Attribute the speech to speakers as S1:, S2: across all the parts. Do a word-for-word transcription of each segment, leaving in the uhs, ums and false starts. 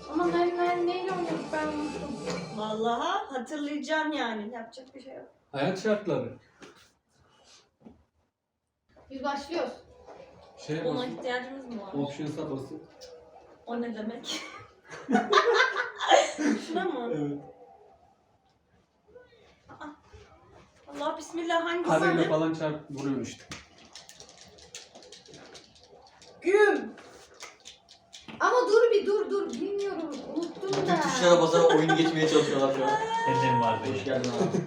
S1: Ama ne, ne, neyle oynuyorduk ben unuttum.
S2: Vallahi hatırlayacaksın yani. Yapacak bir şey yok.
S3: Hayat şartları.
S1: Biz başlıyoruz.
S3: Şey
S2: Ona
S3: basın.
S2: ihtiyacımız mı var?
S3: Options'a basın.
S2: O ne demek? Şuna mı?
S3: Evet.
S2: Allah bismillah, hangisi?
S3: Kareyle falan çarp vuruyor işte.
S2: Güm.
S1: Ama dur bir dur dur. Bilmiyorum. Unuttum da.
S4: Bütün tuşlara basarak oyunu geçmeye çalışıyorlar şu an.
S5: Senin vardı.
S4: Hoş geldin abi.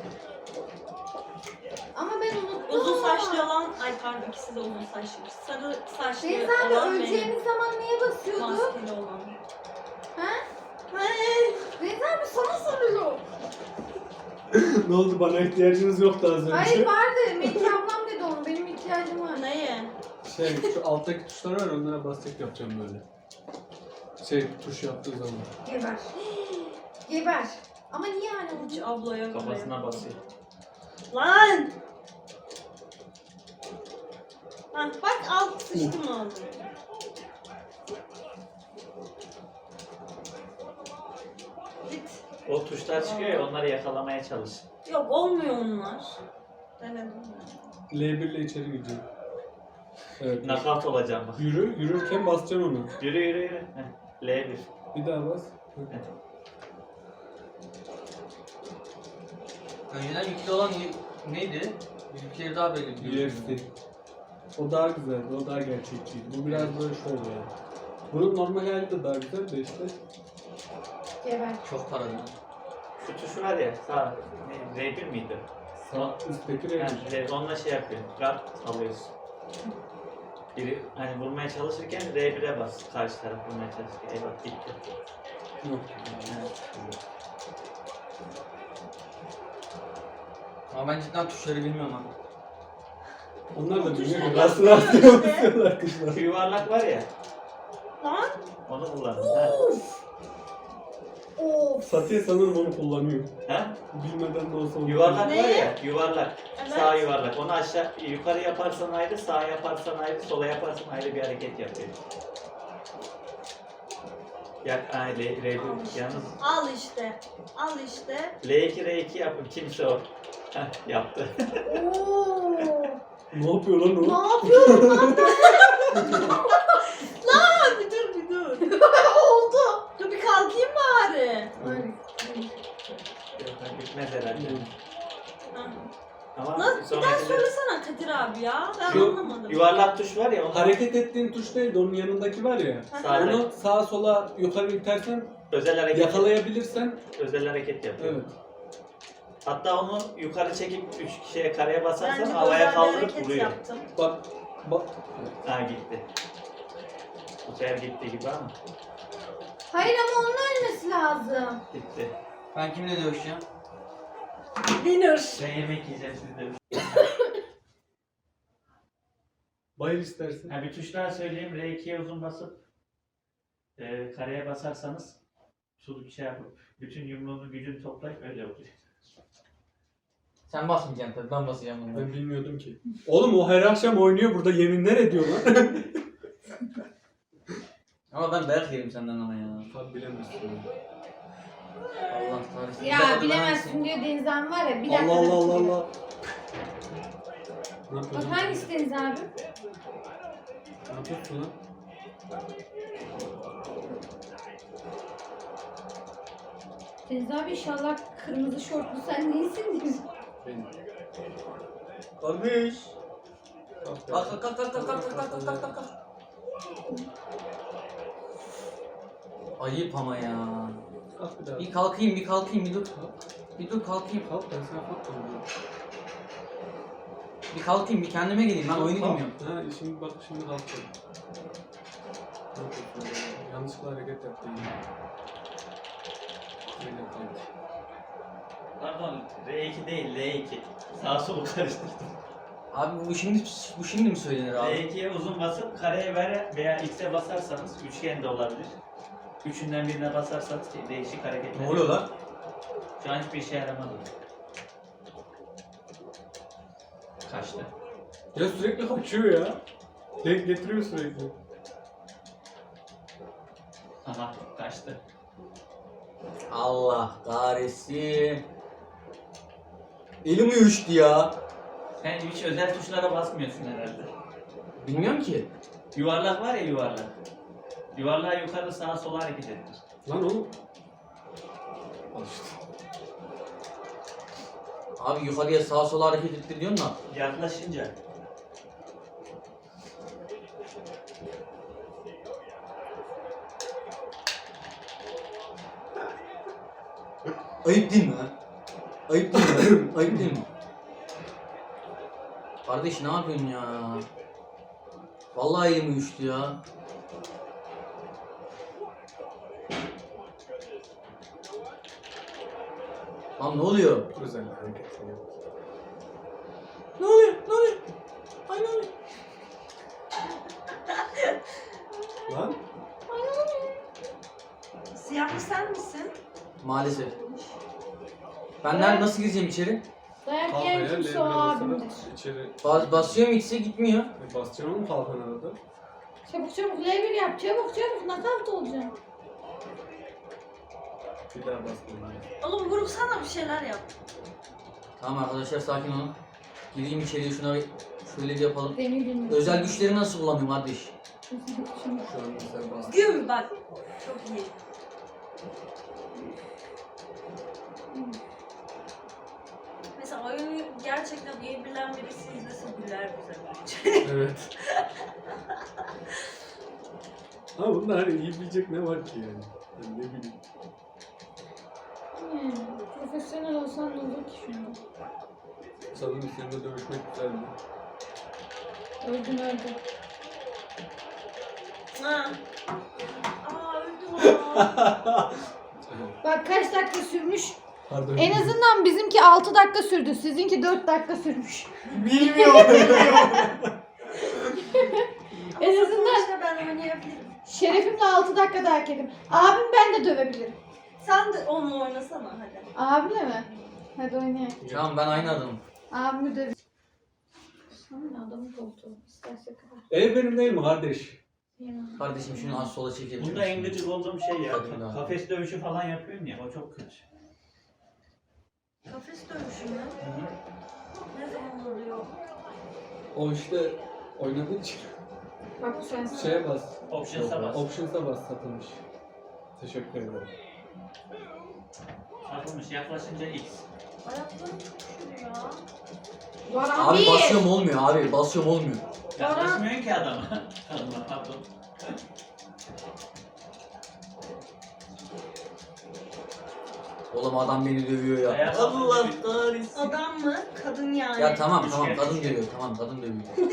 S1: Ama ben unuttum.
S2: Uzun saçlı olan, ay pardon ikisi de uzun saçlı. Sarı saçlı
S1: Deniz abi
S2: olan
S1: öleceğimiz zaman neye
S2: benim.
S1: basıyordu?
S2: Maskeli olan.
S1: Ha?
S2: Hey.
S1: Deniz abi sana soruyor.
S3: Ne oldu, bana ihtiyacınız yoktu az önce.
S1: Hayır vardı. Melike ablam dedi onu. Benim ihtiyacım var.
S2: Neye?
S3: Şey şu alttaki tuşlar var, onlara basacak yapacağım böyle. Şey tuş yaptığı zaman.
S1: Geber. Geber. Ama niye yani
S2: Hiç
S1: onu?
S2: ablaya
S5: Kafasına basıyor.
S2: Lan! Ha, bak alt sıçtı mı oldu? Git.
S5: O tuşlar çıkıyor ya, onları yakalamaya çalış.
S2: Yok olmuyor onlar. Denedim ben.
S3: L bir ile içeri gideceğim. Evet.
S5: Knockout olacağım bak.
S3: Yürü, yürürken basacaksın onu.
S5: Yürü yürü yürü. Heh, L bir.
S3: Bir daha bas.
S5: Evet.
S4: Önceden yüklü olan ne- neydi? Bizimkileri daha belli.
S3: U F C. O daha güzeldi, o daha gerçekçiydi. Bu biraz böyle şov yani. Bunun normal hali de daha güzel de işte.
S1: Geber.
S4: Çok paralı.
S5: Şu tuş var ya, sağ. Ne, R bir miydi?
S3: Sağ üstteki renk.
S5: Yani R- onunla şey yapıyor. Guard alıyorsun. Biri hani vurmaya çalışırken R bire bas. Karşı taraf vurmaya çalışırken. Eyvah gitti.
S3: Yok.
S5: Evet.
S4: Ama ben cidden tuşları bilmiyorum abi.
S3: Onlar da
S2: O
S3: bilmiyor
S2: tuşlar
S3: ki. Rastlı
S2: yapıyor
S3: rastlı
S2: işte.
S3: basıyorlar kızlar.
S5: Şu yuvarlak var ya,
S2: Lan!
S5: onu kullanın. Ha?
S1: Of.
S3: Satiye sanırım onu kullanıyor.
S5: Ha?
S3: Bilmeden de olsa onu
S5: Yuvarlak
S2: Ne?
S5: var ya, yuvarlak.
S2: Evet.
S5: Sağ yuvarlak. Onu aşağı, yukarı yaparsan ayrı, sağ yaparsan ayrı, sola yaparsan ayrı bir hareket yapıyor. Ya, ay, L, R bir, yalnız
S2: Al işte. Al işte.
S5: L iki, R iki yapın, kimse o. Heh, yaptı.
S1: Oo.
S3: Ne yapıyor lan o?
S1: Ne yapıyorum lan ben?
S2: Lan bir dur bir dur.
S1: Oldu.
S2: Dur bir kalkayım bari.
S5: Yok, bitmez herhalde.
S2: Ha.
S5: Ama
S2: Lan bir daha
S5: sonraki
S2: söylesene Kadir abi ya. Ben
S3: Şu
S2: anlamadım.
S5: yuvarlak tuş var ya, onu
S3: Hareket ettiğin tuş değil de onun yanındaki var ya.
S5: Sağ-
S3: Onu sağa sola yukarı itersen
S5: özel hareket,
S3: yakalayabilirsen
S5: özel hareket yapıyor.
S3: evet.
S5: Hatta onu yukarı çekip üç kişiye kareye basarsan
S2: Bence
S5: havaya
S2: özel bir
S5: kaldırıp
S2: hareket
S5: vuruyor.
S2: yaptım.
S3: Bak bak.
S5: Ha gitti. Bu sefer gitti gibi ama
S1: Hayır ama onun ölmesi lazım.
S5: gitti.
S4: Ben kimle dövüşeceğim?
S2: Winner.
S5: Ben yemek yiyeceğim sizde.
S3: Bayıl istersen.
S5: Ha, bir tuş daha söyleyeyim. R ikiye uzun basıp e, kareye basarsanız suluk bir şey yapıp bütün yumruğunu gücünü toplayıp öyle vuruyor.
S4: Sen basmayacaksın tabii, ben basacağım bunu.
S3: Ben bilmiyordum ki. Oğlum o her akşam oynuyor burada, yeminler ediyor lan.
S4: Ama ben dayak yerim senden ama ya.
S3: Tabi bilemezsin.
S4: Allah kahretsin. Bir
S1: Ya
S4: dakika,
S1: bilemezsin
S4: ben-
S1: diyor Deniz abi var ya. Bir dakika.
S3: Allah Allah Allah Allah. Ne
S1: Bak
S3: yapıyorsun?
S1: hangisi Deniz abi?
S3: Ne yapıyorsun lan?
S1: Deniz abi inşallah kırmızı şortlu sen değilsin diyor.
S3: Benim.
S4: Kardeş.
S3: Kalk
S4: Kalk kalk kalk kalk kalk kalk kalk kalk kalk kalk. Ayıp ama ya.
S3: Kalk bir daha.
S4: Bir kalkayım bir kalkayım bir dur. Bir dur kalkayım.
S3: Kalk, ben sana kalk diyorum.
S4: Bir kalkayım bir kendime geleyim, ben oyunu
S3: Kalk.
S4: bilmiyorum.
S3: Ha şimdi bak, şimdi kalktım. Ne yapıyorsun ya? Yanlışlıkla hareket yaptım ya. Öyle yapayım.
S5: Pardon, R iki değil, L iki. Sağ solu karıştırdım.
S4: Abi bu şimdi bu şimdi mi söylenir
S5: R
S4: abi?
S5: ikiye uzun basıp kareye ver veya X'e basarsanız üçgen de olabilir. Üçünden birine basarsanız değişik hareketler.
S4: Ne oluyor lan?
S5: Şu an hiçbir işe yaramadı. Kaçtı.
S3: Ya sürekli kaçıyor ya. Denk getiriyor sürekli.
S5: Aha kaçtı.
S4: Allah kahretsin. Elim uyuştu ya.
S5: Sen hiç özel tuşlara basmıyorsun herhalde.
S4: Bilmiyorum ki.
S5: Yuvarlak var ya yuvarlak. Yuvarlağı yukarı sağa sola hareket ettir.
S3: Lan oğlum. Al işte.
S4: Abi yukarıya sağa sola hareket ettir diyorsun da.
S5: Yaklaşınca.
S4: Ayıp değil mi ha? Ayıp değil mi? Ayıp değil mi? Kardeş ne yapıyorsun ya? Vallahi elim uyuştu ya. Lan ne oluyor?
S3: Özel hareketler yok.
S4: Ne oluyor? Ne oluyor? Ay ne oluyor?
S3: Lan.
S2: Siyahlı sen misin?
S4: Maalesef. Ben nerede nasıl gireceğim içeri?
S1: Dayak
S3: Kalkaya
S1: yiyen kimse o
S3: L'ye basarak
S1: abimdir.
S3: içeri
S4: Bas basıyorum ikisi gitmiyor.
S3: e, basacaksın oğlum kalkan arada.
S1: Çabuk çabuk L bir yap. Çabuk çabuk nakavt olacaksın.
S3: Bir daha basmayın.
S2: Oğlum vurursana bir şeyler yap.
S4: Tamam arkadaşlar sakin olun. Gireyim içeriye şuna bir- şöyle bir yapalım.
S1: Demir bilmiyorum.
S4: Özel güçleri nasıl kullanıyorum kardeş?
S1: Şimdi.
S3: Şu an mesela bas.
S2: Güm bak. Çok iyi. Mesela oyunu gerçekten iyi bilen birisi izlese güler bize bence.
S3: Evet. Ama bunda hani iyi bilecek ne var ki yani? Yani ne bileyim.
S1: Hmm, profesyonel olsan ne olur ki şimdi?
S3: Sanırım seninle dövüşmek güzeldi.
S1: Öldün öldün.
S2: Ha. Aa öldüm aa.
S1: Bak kaç dakika sürmüş.
S3: Pardon.
S1: En azından bizimki altı dakika sürdü. Sizinki dört dakika sürmüş.
S4: Bilmiyorum.
S1: En azından
S2: İşte ben oynayabilirim.
S1: şerefimle altı dakika dayak yedim. Abim ben de dövebilirim.
S2: Sen de onunla oynasana hadi.
S1: Abimle mi? Hadi oynayalım.
S4: Tamam ben aynı adamım.
S1: Abimi döv. Sana adamı koltuğu. İsterse kadar.
S3: Ev benim değil mi kardeş?
S1: Yemem.
S4: Kardeşim şunu az sola çekelim.
S5: Bunda en gıcık olduğum şey ya.
S4: Hadi lan.
S5: Kafes dövüşü falan yapıyorsun ya. O çok kötü.
S2: Kafes dövüşü mü? Ne zaman oluyor?
S3: O işte oynadığın için
S1: Bak bu sensin.
S3: şeye bas.
S5: Options'a bas.
S3: Options'a bas satılmış. Teşekkür ederim.
S5: Satılmış. Yaklaşınca X.
S2: Ayaklarım çok üşüyor ya.
S1: Varan
S4: Abi
S1: bir.
S4: basıyorum olmuyor abi basıyorum olmuyor.
S5: Yaklaşmıyorsun ki adama. Allah pardon.
S4: Oğlum adam beni dövüyor ya.
S5: Ayağa
S4: Allah
S5: kalkınca
S4: kahretsin.
S2: Adam mı? Kadın yani.
S4: Ya tamam
S5: Üç
S4: tamam
S5: kere,
S4: kadın
S5: üç kere.
S4: dövüyor tamam kadın dövüyor.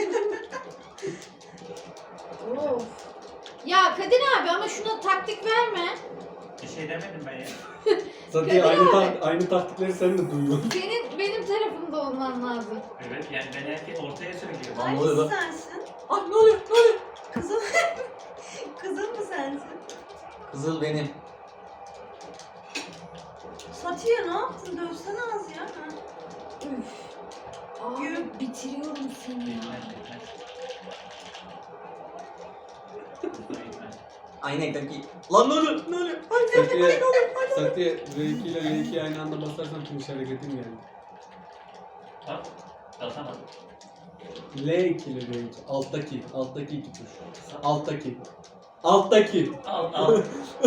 S1: Of. Ya Kadir abi ama şuna taktik verme.
S5: Bir şey demedim ben ya.
S3: Zaten aynı, ta- aynı taktikleri sen de duyuyorsun.
S1: Senin benim tarafımda olman lazım.
S5: Evet yani ben erkek ortaya söylüyorum.
S4: Lan ne oluyor lan?
S2: Hangisi sensin?
S4: Ah ne oluyor ne oluyor?
S2: Kızım. Kızım mı sensin?
S4: Kızıl benim.
S2: Satiye ne yaptın? Dövsene az ya. Ha.
S1: Üf. Abi bitiriyorum seni ya.
S5: Bilmez, bilmez. Bilmez.
S4: Aynen kanki. Lan ne oluyor ne oluyor?
S3: Satiye, Satiye R iki ile L iki'yi aynı anda basarsan finish hareketin yani.
S5: Bak. Basamadım.
S3: L iki ile R iki. Alttaki. Alttaki iki tuş. Alttaki. Alttaki.
S5: Al al.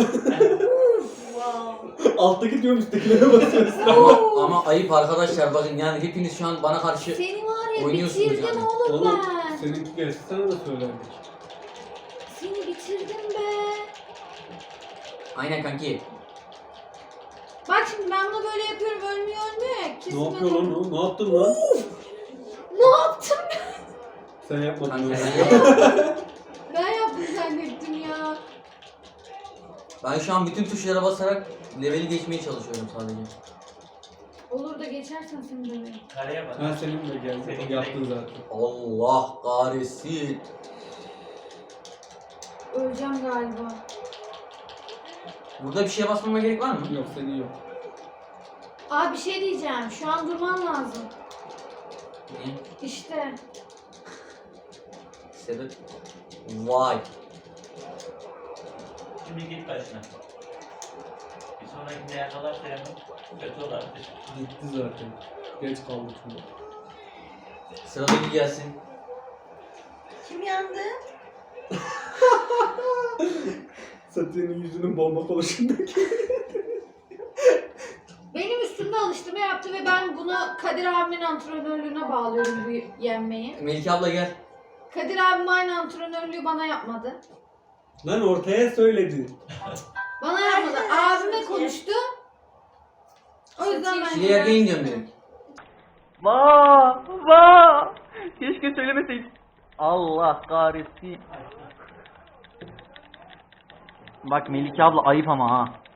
S2: Wow.
S3: Alttaki diyorum üsttekilere basıyorsun.
S4: ama, ama ayıp arkadaşlar bakın yani hepiniz şu an bana karşı
S1: Seni var ya
S4: oynuyorsunuz
S1: bitirdim
S4: yani.
S1: oğlum,
S3: Oğlum
S1: ben.
S3: seninki gelse sana da söylerdik.
S1: Seni bitirdim be.
S4: Aynen kanki.
S1: Bak şimdi ben bunu böyle yapıyorum ölmüyor ölmüyor ya. Kesin
S3: Ne yapıyor lan
S1: ben-
S3: o? Ne yaptın lan?
S1: Ne yaptım ben?
S3: Sen yapmadın.
S4: Kanka
S3: öyle.
S4: sen-
S1: Ben yaptım zannettim ya.
S4: Ben şu an bütün tuşlara basarak leveli geçmeye çalışıyorum sadece.
S1: Olur da geçersen seni döverim.
S5: Kareye bak.
S3: Ha senin de geldi.
S5: Senin
S3: Yaptın zaten.
S4: Allah kahretsin.
S1: Öleceğim galiba.
S4: Burada bir şeye basmama gerek var mı?
S3: Yok senin yok.
S1: Abi bir şey diyeceğim. Şu an durman lazım.
S4: Niye?
S1: İşte.
S4: Sebep? Vay.
S5: Şimdi git başına. Bir sonrakinde yakalarsa yanım kötü olabilir.
S3: Gitti zaten. Geç kaldık şimdi.
S4: Sıradaki gelsin.
S2: Kim yandı?
S3: Satyan'ın yüzünün bomba konuşundaki.
S1: Benim üstümde alıştırma yaptı ve ben bunu Kadir abimin antrenörlüğüne bağlıyorum bu yenmeyi.
S4: Melike abla gel.
S1: Kadir abim aynı antrenörlüğü bana yapmadı.
S3: Lan ortaya söyledi.
S1: Bana yapmadı. Abime konuştu. O yüzden ben...
S4: Şile yerken gidiyorum direkt.
S6: Vaa! Vaa! Keşke söylemeseydin. Allah kahretsin. Bak Melike abla ayıp ama ha.